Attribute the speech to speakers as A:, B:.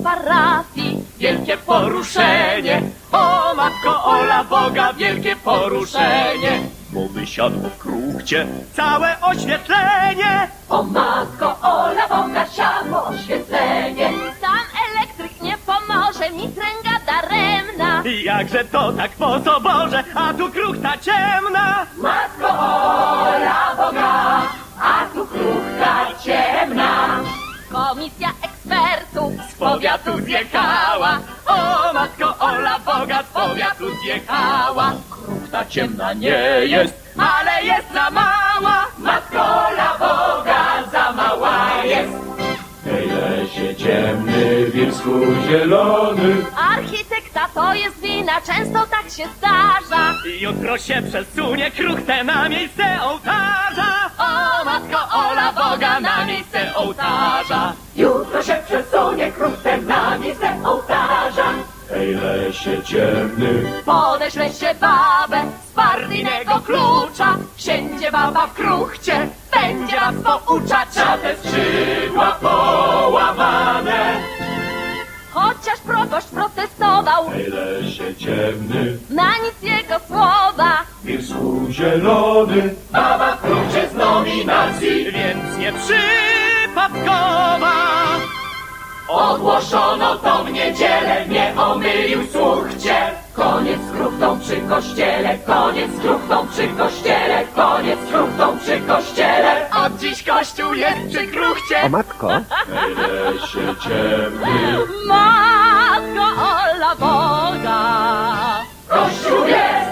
A: parafii.
B: Wielkie poruszenie, o matko Ola Boga, wielkie poruszenie. Bo wysiadło w kruchcie całe oświetlenie.
A: O matko Ola Boga, siadło oświetlenie. Sam elektryk nie pomoże, mi tręga daremna.
B: Jakże to tak po soborze, a tu kruchta ciemna.
A: Matko Ola Boga, a tu kruchta ciemna. Komisja ekspertów
B: Z powiatu zjechała, o matko Ola Boga, z powiatu zjechała. Kruchta ciemna nie jest, ale jest za mała. Matko Ola Boga, za mała jest. W tej lesie ciemny, w Bielsku zielony.
A: architekta to jest wina, często tak się zdarza.
B: Jutro się przesunie kruchtę na miejsce ołtarza. O matko Ola Boga, na miejsce ołtarza.
A: Jutro się przesunie kruchtę na miejsce ołtarza.
B: W tej lesie ciemny,
A: Podeślę się babę z partyjnego klucza. Wsiędzie baba w kruchcie, będzie was pouczać.
B: a te skrzydła połamane.
A: Chociaż proboszcz protestował,
B: W tej lesie ciemny,
A: na nic jego słowa.
B: w Bielsku zielony. Baba w kruchcie z nominacji, więc nie przypadkowa. Ogłoszono to w niedzielę, nie omylił słuchcie.
A: Koniec z kruchtą przy kościele, koniec z kruchtą przy kościele, koniec z kruchtą przy kościele.
B: Od dziś kościół jest przy kruchcie.
C: O matko,
B: W tej lesie ciemny,
A: Matko Ola Boga,
B: kościół jest